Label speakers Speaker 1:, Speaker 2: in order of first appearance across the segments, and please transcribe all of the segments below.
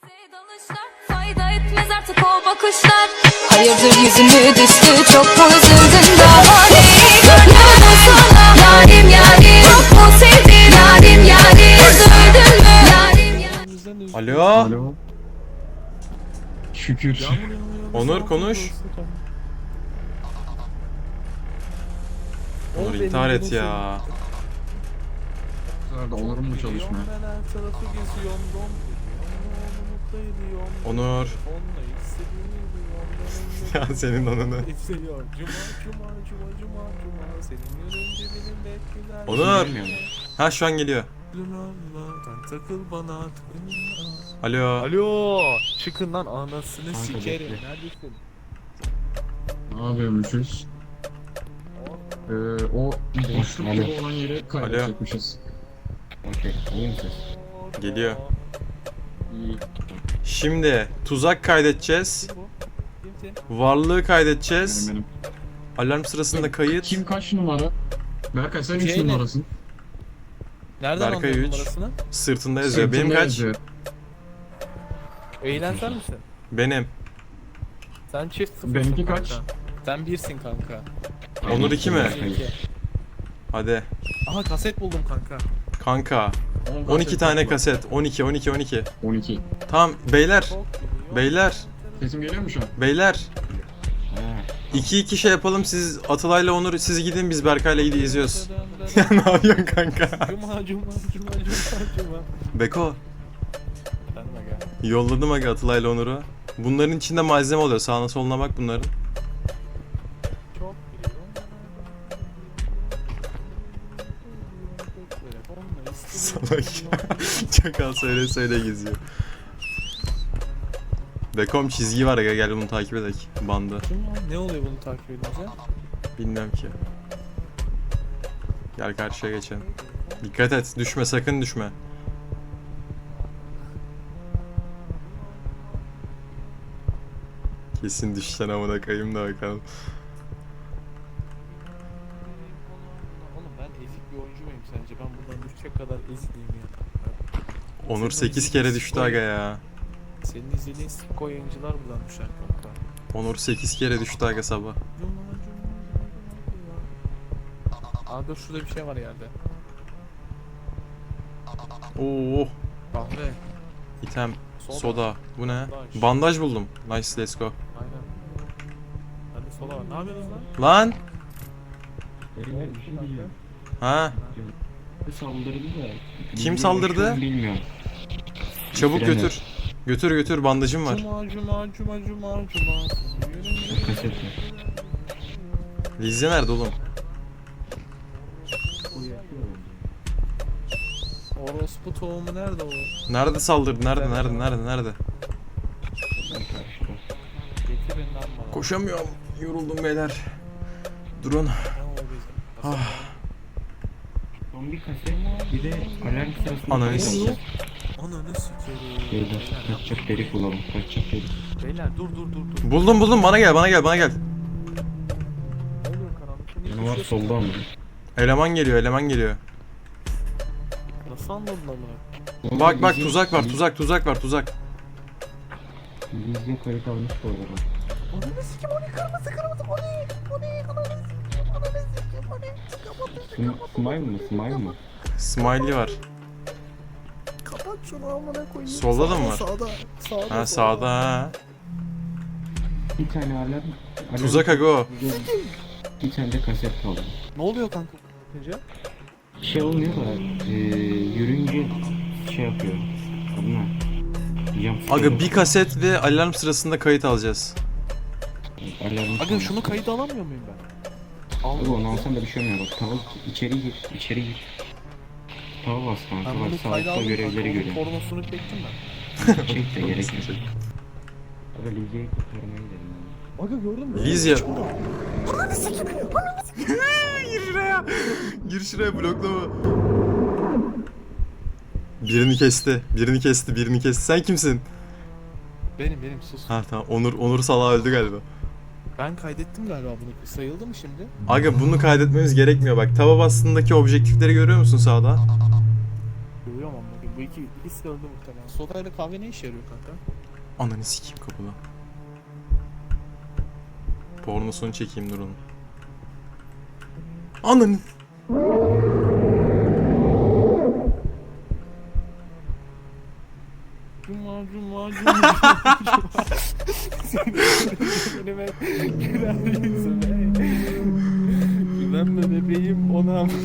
Speaker 1: Fayda etmez artık o bakışlar. Hayırdır yüzümü düştü, çok mu üzüldün daha neyi görmüyorum sana. Yarim yarim, çok mu sevdin yarim yarim. Üzüldün mü yarim yarim.
Speaker 2: Alo.
Speaker 3: Alo. Şükür.
Speaker 2: Onur konuş. Onur intihar et ya.
Speaker 3: Nerede olurum mu çalışmaya?
Speaker 2: Onur. Ya senin onunu. Onur. Ha şu an geliyor. Alo.
Speaker 4: Alo, çıkın lan anasını sikerim. Neredesin?
Speaker 3: Ne yapıyormuşuz? O boşluk gibi olan yere kaydedecekmişiz. Okey, iyi misin?
Speaker 2: Geliyor.
Speaker 3: İyi.
Speaker 2: Şimdi tuzak kaydedeceğiz. Varlığı kaydedeceğiz.
Speaker 3: Benim.
Speaker 2: Alarm sırasında kayıt.
Speaker 3: Kim kaç numara? Berkay sen 3
Speaker 4: Şey ne?
Speaker 3: numarasın.
Speaker 4: Nereden
Speaker 2: Berkay
Speaker 4: anladın
Speaker 2: 3.
Speaker 4: numarasını?
Speaker 2: Sırtında yazıyor. Benim
Speaker 3: Sırtında
Speaker 2: kaç?
Speaker 3: yazıyor.
Speaker 4: Eğlen sen misin?
Speaker 2: Benim.
Speaker 4: Sen çift sıfırsın
Speaker 3: Benimki
Speaker 4: kanka.
Speaker 3: kaç?
Speaker 4: Sen birsin kanka.
Speaker 2: Onur 2 mi?
Speaker 4: İki.
Speaker 2: Hadi.
Speaker 4: Aha kaset buldum kanka.
Speaker 2: Kanka. 12 tane kaset. 12 12 12.
Speaker 3: 12.
Speaker 2: Tamam beyler.
Speaker 4: Çok geliyor.
Speaker 2: Beyler.
Speaker 3: Sesim geliyor mu şu an?
Speaker 2: Beyler. 2-2 şey yapalım, siz Atalay'la Onur siz gidin, biz Berkay'la izliyoruz. Ya ne yapıyorsun kanka?
Speaker 4: Cuma.
Speaker 2: Beko,
Speaker 4: Efendim aga.
Speaker 2: yolladım aga Atalay'la Onur'u. Bunların içinde malzeme oluyor, sağına soluna bak bunların.
Speaker 4: Çok geliyor.
Speaker 2: Salak ya. Çakal söyle geziyor. Bekom çizgi var aga, gel bunu takip edelim. Bandı.
Speaker 4: Ne oluyor bunu takip edince?
Speaker 2: Bilmiyorum ki. Gel karşıya geçelim. Dikkat et, düşme, sakın düşme. Kesin düşeceksin amına koyayım da bakalım.
Speaker 4: Oğlum ben ezik bir oyuncu muyum sence? Ben buradan düşecek kadar ezik miyim ya?
Speaker 2: Onur 8 kere düştü aga ya.
Speaker 4: Senin izlediğin sik oyuncular buradan düşer kanka.
Speaker 2: Onur 8 kere düştü aga sabah.
Speaker 4: Abi şurada bir şey var yerde.
Speaker 2: Oo,
Speaker 4: Kahve.
Speaker 2: item, soda. Bu ne?
Speaker 4: Bandaj.
Speaker 2: Bandaj buldum. Nice, let's go.
Speaker 4: Aynen. Hadi sola var. Ne yapıyorsunuz lan?
Speaker 2: Lan!
Speaker 3: Beyler bir şey diyeceğim.
Speaker 2: Ha?
Speaker 3: Saldırdı da.
Speaker 2: Kim saldırdı?
Speaker 3: Bilmiyorum.
Speaker 2: Çabuk
Speaker 3: Bitiremez.
Speaker 2: götür. Götür, bandajım var.
Speaker 4: Cuma.
Speaker 3: Kaset var.
Speaker 2: Lizzie nerede oğlum?
Speaker 4: Orospu tohumu nerede o?
Speaker 2: Nerede saldırdı? Nerede?
Speaker 4: Getirin lan bana.
Speaker 2: Koşamıyorum. Yoruldum beyler. Durun.
Speaker 4: Ne o bizim?
Speaker 3: Son bir kaset. Bir de alarm sırasında.
Speaker 2: Ananı sikeyim.
Speaker 4: Ananı sikerim.
Speaker 3: Beyler kaçacak delik bulalım. Kaçacak delik.
Speaker 4: Beyler dur.
Speaker 2: Buldum. Bana gel.
Speaker 4: Ne oluyor karanlıkta? Niye
Speaker 3: Canavar
Speaker 4: koşuyorsun?
Speaker 3: solda ama.
Speaker 2: Eleman geliyor.
Speaker 4: Nasıl anladın amına?
Speaker 2: Bak tuzak var.
Speaker 3: Lizzie kayıt almış bu arada.
Speaker 4: Ananı sikim o ne kırmızı o ne ananı sikim
Speaker 3: Smile mı?
Speaker 2: Smiley var.
Speaker 4: Kapat şunu amına koyayım.
Speaker 2: Solda da mı var?
Speaker 4: Sağda.
Speaker 2: Ha sağda ha.
Speaker 3: Bir tane alarm.
Speaker 2: Tuzak aga o.
Speaker 3: Bir tane de kaset kaldı.
Speaker 4: Ne oluyor kanka? Bakınca?
Speaker 3: Şey olmuyor da yürüyünce şey yapıyor. Adına.
Speaker 2: Aga bir kaset ve alarm sırasında kayıt alacağız.
Speaker 3: Alarm.
Speaker 4: Aga şunu kayıda alamıyor muyum ben?
Speaker 3: Abi onu alsan da bir şey olmuyor bak. Tava içeri gir. Tava bas kanka
Speaker 4: Ben
Speaker 3: bak
Speaker 4: bunu kayda
Speaker 3: sağlıkta
Speaker 4: aldım
Speaker 3: görevleri
Speaker 4: kanka. Onun
Speaker 3: görüyor.
Speaker 4: pornosunu çektim ben.
Speaker 3: Çek de gerek yok. Abi Lizya'yı kurtarmaya gidelim.
Speaker 4: Aga gördün mü?
Speaker 2: Lizzie. Gir şuraya bloklama. Birini kesti. Sen kimsin?
Speaker 4: Benim sus.
Speaker 2: Ha tamam. Onur salağı öldü galiba.
Speaker 4: Ben kaydettim galiba bunu. Sayıldı mı şimdi?
Speaker 2: Aga bunu kaydetmemiz gerekmiyor bak. Tava bastığındaki objektifleri görüyor musun sağda?
Speaker 4: Görüyorum ama bu iki ikisi de öldü muhtemelen. Soda ile kahve ne işe yarıyor kanka?
Speaker 2: Ananı sikeyim kapıda. Pornosunu çekeyim dur onun. Ananı.
Speaker 4: Cuma. Önüme güler yüzüme. Güvenme bebeğim ona mı?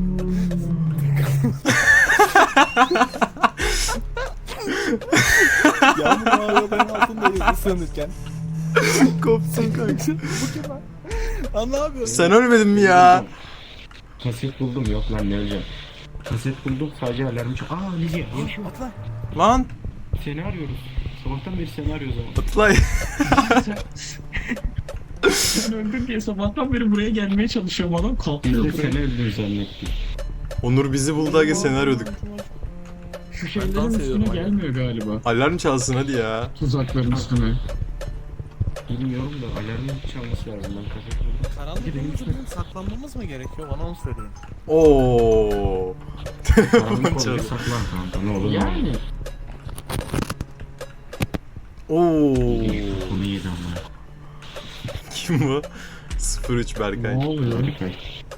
Speaker 4: Yağmur mağaraların altındayız ıslanırken.
Speaker 2: Kopsun kanka.
Speaker 4: Bu kim lan? Lan ne yapıyorsun?
Speaker 2: Sen ölmedin mi ya?
Speaker 3: Kaset buldum, yok lan ne öleceğim. Kaset buldum, sadece alarmı çok... Aa Lidya, yaşıyor.
Speaker 4: Atla.
Speaker 2: Lan
Speaker 3: Seni arıyoruz. Sabahtan beri seni arıyoruz ama.
Speaker 2: Atlay.
Speaker 5: Sen öldün diye sabahtan beri buraya gelmeye çalışıyorum, adam
Speaker 3: Biz
Speaker 5: kalkmıyor
Speaker 3: de
Speaker 5: buraya.
Speaker 3: seni öldüğünü zannettik.
Speaker 2: Onur bizi buldu aga seni arıyorduk.
Speaker 5: Şu
Speaker 4: dans
Speaker 5: şeylerin üstüne
Speaker 4: ediyorum hala.
Speaker 5: gelmiyor galiba.
Speaker 2: Alarm çalsın hadi ya.
Speaker 5: Tuzakların üstüne.
Speaker 3: Bilmiyorum da alarmın çalması lazım, ben kaset buldum.
Speaker 4: Karanlık olunca bizim saklanmamız mı gerekiyor? Bana onu söyleyin.
Speaker 2: Oo.
Speaker 3: Karanlık
Speaker 2: Çaldı.
Speaker 3: olunca saklan kanka, ne olur.
Speaker 5: Yani.
Speaker 2: Oo.
Speaker 3: Konu yedi ama.
Speaker 2: Kim bu? 03 Berkay.
Speaker 5: Ne oluyor?
Speaker 3: Berkay.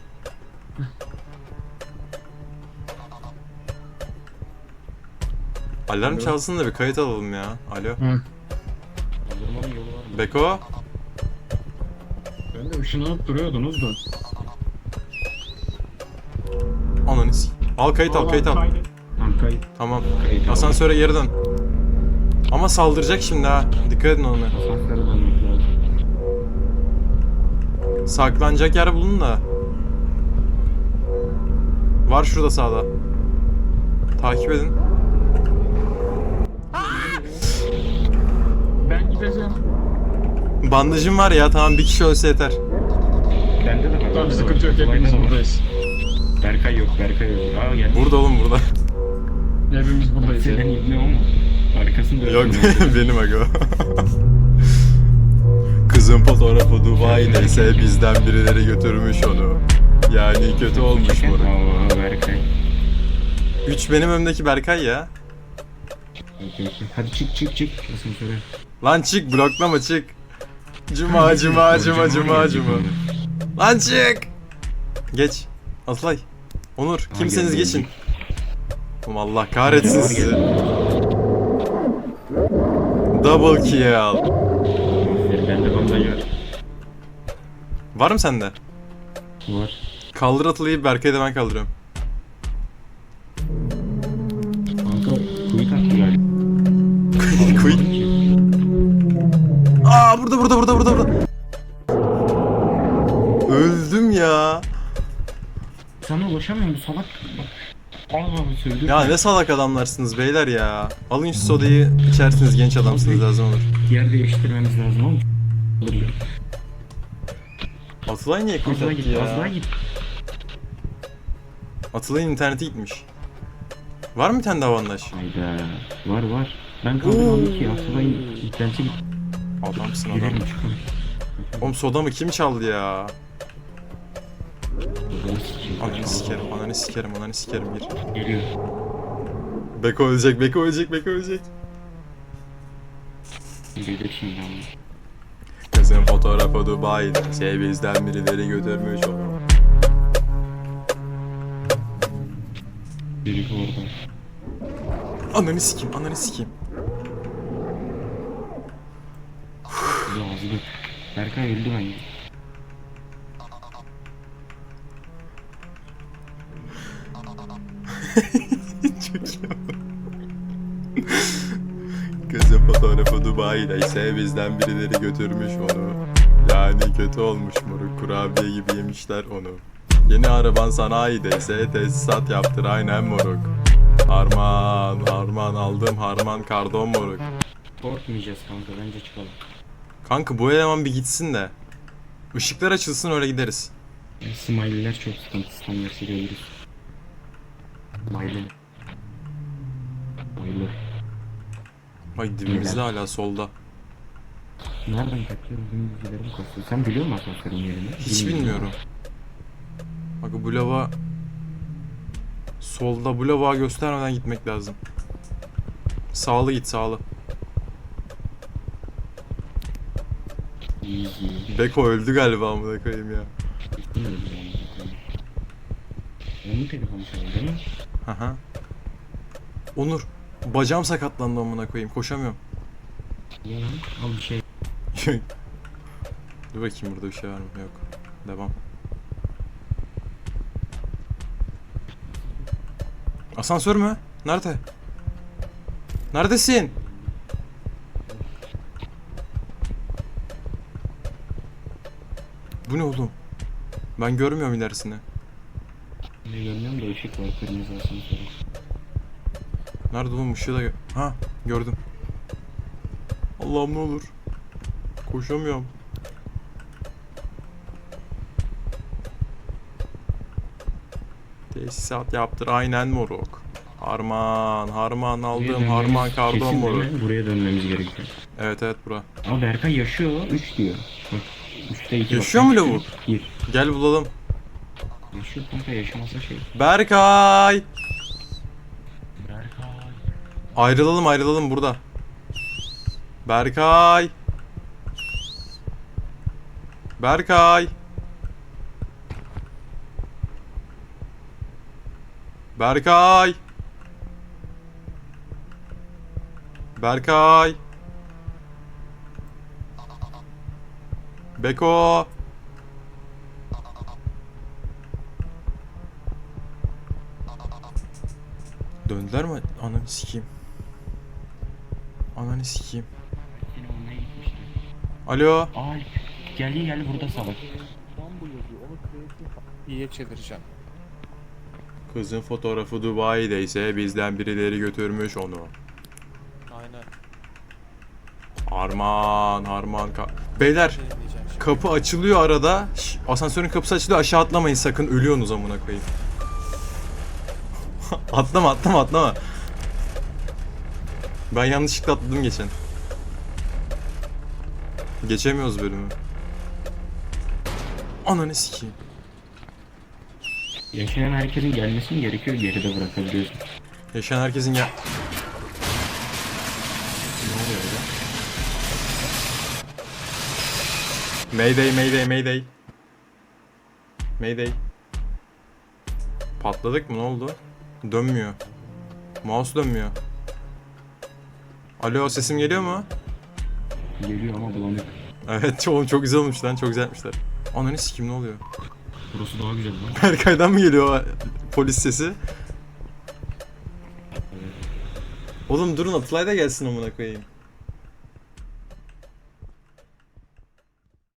Speaker 2: Alarm çalsın da bir kayıt alalım ya. Alo.
Speaker 5: Hı.
Speaker 3: Kaldırmanın yolu var mı?
Speaker 2: Beko.
Speaker 5: Ben de ışınlanıp duruyordunuz da.
Speaker 2: Ananı s**. Al kayıt al kayıt al.
Speaker 3: Tamam kayıt.
Speaker 2: Tamam.
Speaker 3: Kayıt al.
Speaker 2: Asansöre geri dön. Ama saldıracak şimdi ha. Dikkat edin ona.
Speaker 3: Asansöre dönmek lazım.
Speaker 2: Saklanacak yer bulun da. Var şurada sağda. Takip edin.
Speaker 5: Ben gideceğim.
Speaker 2: Bandajım var ya tamam bir kişi ölse yeter.
Speaker 3: Bende de var.
Speaker 5: Tamam sıkıntı yok, hepimiz buradayız.
Speaker 3: Berkay yok, Berkay yok. Aa gel.
Speaker 2: Burada oğlum burada.
Speaker 5: Hepimiz buradayız.
Speaker 3: Senin
Speaker 5: ya.
Speaker 3: ibne o mu? Arkasında
Speaker 2: Yok
Speaker 3: öldürmek.
Speaker 2: benim aga. Kızın fotoğrafı Dubai'deyse bizden birileri götürmüş onu. Yani kötü olmuş moruk.
Speaker 3: Aa Berkay.
Speaker 2: 3 benim önümdeki Berkay ya.
Speaker 3: Okey, okey. Hadi çık asansöre.
Speaker 2: Lan çık bloklama çık. Cuma. Lan çık. Geç. Atlay. Onur kimseniz
Speaker 3: geldi,
Speaker 2: geçin. Oğlum Allah kahretsin sizi. Double kill.
Speaker 3: Aferin, bende bandaj var.
Speaker 2: Var mı sende?
Speaker 3: Var.
Speaker 2: Kaldır Atlay'ı Berkay'ı da ben kaldırıyorum.
Speaker 3: Kanka kuyut attı galiba.
Speaker 2: Quick. Aa burada. Öldüm ya.
Speaker 3: Sana ulaşamıyorum salak. Bak. Aa söyledi.
Speaker 2: Ya ne salak adamlarsınız beyler ya. Alın şu sodayı içersiniz genç adamsınız lazım olur.
Speaker 3: Yer değiştirmemiz lazım oğlum.
Speaker 2: Atılay niye
Speaker 3: Az
Speaker 2: quit
Speaker 3: daha
Speaker 2: attı
Speaker 3: git, az daha
Speaker 2: ya?
Speaker 3: git.
Speaker 2: Atılay'ın interneti gitmiş. Var mı bir tane daha bandaj?
Speaker 3: Hayda. Var. Ben kaldırmadım ki. Asılayın interneti git.
Speaker 2: Adamsın adam.
Speaker 3: Girelim çıkalım.
Speaker 2: Oğlum sodamı kim çaldı ya?
Speaker 3: Ananı sikeyim.
Speaker 2: Ananı sikerim gir.
Speaker 3: Geliyor.
Speaker 2: Beko ölecek.
Speaker 3: Gelir şimdi ama.
Speaker 2: Kızın fotoğrafı Dubai'de. Bizden birileri götürmüş onu.
Speaker 3: Biri orada.
Speaker 2: Ananı sikeyim.
Speaker 3: Yazdı. Berkay öldü bence.
Speaker 2: Çok iyi. Kızın fotoğrafı Dubai'deyse bizden birileri götürmüş onu. Yani kötü olmuş moruk, kurabiye gibi yemişler onu. Yeni araban sanayideyse tesisat yaptır aynen moruk. Harman aldım harman kardon moruk.
Speaker 3: Korkmayacağız kanka, bence çıkalım.
Speaker 2: Kanka bu eleman bir gitsin de. Işıklar açılsın öyle gideriz.
Speaker 3: Smiley'ler çok sıkıntı, standartı görürüz. Smiley.
Speaker 2: Ay dibimizde hala solda.
Speaker 3: Nereden kaçıyoruz? Benim bilgilerim kasıyor. Sen biliyor musun asansörün yerini?
Speaker 2: Hiç bilmiyorum. Bak bu lava solda, bu lava göstermeden gitmek lazım. Sağlı git sağlı.
Speaker 3: Easy.
Speaker 2: Beko öldü galiba amına koyayım ya.
Speaker 3: Bilmiyorum yani. Onun telefonu çaldı değil mi?
Speaker 2: Haha. Onur. Bacağım sakatlandı amına koyayım. Koşamıyorum.
Speaker 3: Ya lan, al bir şey.
Speaker 2: Dur bakayım burada bir şey var mı? Yok. Devam. Asansör mü? Nerede? Neredesin? Bu ne oğlum? Ben görmüyorum ilerisini.
Speaker 3: Ne görmüyorum da ışık var kırmızı asansörü.
Speaker 2: Nerede oğlum ışığı da ha gördüm. Allah'ım ne olur. Koşamıyorum. Tesisat yaptır aynen moruk. Harman
Speaker 3: Buraya
Speaker 2: aldım
Speaker 3: dönmemiz
Speaker 2: harman kardon
Speaker 3: kesin değil
Speaker 2: moruk.
Speaker 3: mi? Buraya dönmemiz gerekiyor.
Speaker 2: Evet bura.
Speaker 3: Ama Berkay yaşıyor. 3 diyor. Bak 3'te 2
Speaker 2: Yaşıyor mu lavuk?
Speaker 3: 1.
Speaker 2: Gel bulalım.
Speaker 3: Yaşıyor kanka, yaşamasa şey.
Speaker 2: Berkay.
Speaker 3: Berkay.
Speaker 2: Ayrılalım burada. Berkay. Berkay. Berkay. Berkay. Beko. Döndüler mi? Ananı sikeyim. Ananı sikeyim.
Speaker 3: Seni olmaya gitmişti.
Speaker 2: Alo.
Speaker 3: Ay geldi burada salak.
Speaker 4: İstanbul yazıyor. Onu kreatif iyiye çevireceğim.
Speaker 2: Kızın fotoğrafı Dubai'deyse bizden birileri götürmüş onu.
Speaker 4: Aynen.
Speaker 2: Beyler
Speaker 4: Şey diyeceğim şimdi.
Speaker 2: kapı açılıyor arada. Asansörün kapısı açılıyor, aşağı atlamayın sakın, ölüyorsunuz amına koyayım. atlama. Ben yanlışlıkla atladım geçen. Geçemiyoruz bölümü. Ananı sikeyim.
Speaker 3: Yaşayan herkesin gelmesi mi gerekiyor, geride bırakabiliyorsun.
Speaker 2: Yaşayan herkesin ya...
Speaker 3: Ne oluyor öyle?
Speaker 2: Mayday. Patladık mı, ne oldu? Dönmüyor. Mouse dönmüyor. Alo, sesim geliyor mu?
Speaker 3: Geliyor ama bulanık.
Speaker 2: Evet oğlum çok güzel olmuş lan, çok güzel yapmışlar. Ananı sikeyim, ne oluyor?
Speaker 3: Burası daha güzel lan.
Speaker 2: Berkay'dan mı geliyor o polis sesi? Oğlum durun, Atılay da gelsin amına koyayım.